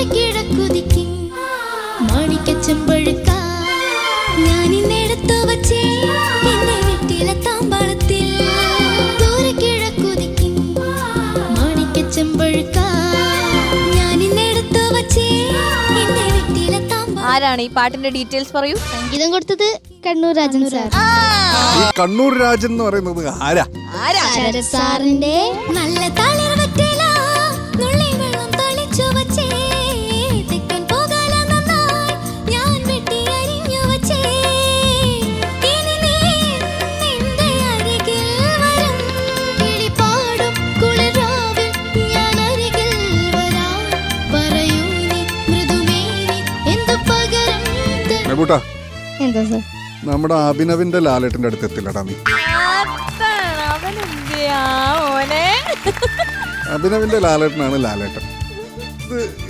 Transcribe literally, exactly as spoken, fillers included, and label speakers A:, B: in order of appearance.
A: കിഴക്കുതിക്കും മാണിക്കച്ചമ്പഴുക്ക ഞാനിന്നെടുത്തു വച്ചേ എന്റെ വീട്ടിലെ താമ്പാളത്തിൽ. ദൂരെ കിഴക്കുതിക്കും മാണിക്കച്ചമ്പഴുക്ക ഞാനിന്നെടുത്തു വച്ചേ എന്റെ വീട്ടിലെ താമ്പാളത്തിൽ.
B: ആരാണ് ഈ പാട്ടിന്റെ ഡീറ്റെയിൽസ് പറയൂ.
C: സംഗീതം കൊടുത്തത് കണ്ണൂർ രാജൻ സാർ.
D: ഈ കണ്ണൂർ രാജൻ എന്ന് പറയുന്നത് ആരാ?
C: ശരത് സാറിന്റെ
A: നല്ല തളിർ വെറ്റില നുള്ളി വെള്ളം തളിച്ചു വച്ചേ തെക്കൻ പോകാല നന്നായി ഞാൻ വെട്ടി അരിഞ്ഞു വച്ചേ. ഇനി നീ നിന്റെ അരികിൽ വരും കിളിപ്പാടും കുളിരാവിൽ ഞാൻ അരികിൽ വരാം. പറയൂ നീ മൃദുമേനി എന്തു പകരം
D: മെബൂട്ടാ,
C: എന്താ സാർ?
D: നമ്മുടെ അഭിനവിന്റെ ലാലേട്ടന്റെ അടുത്ത് എത്തില്ലടാ നീ.
B: അവനെന്തിയാ മോനെ?
D: അഭിനവിന്റെ ലാലേട്ടനാണ് ലാലേട്ടൻ. ഇത്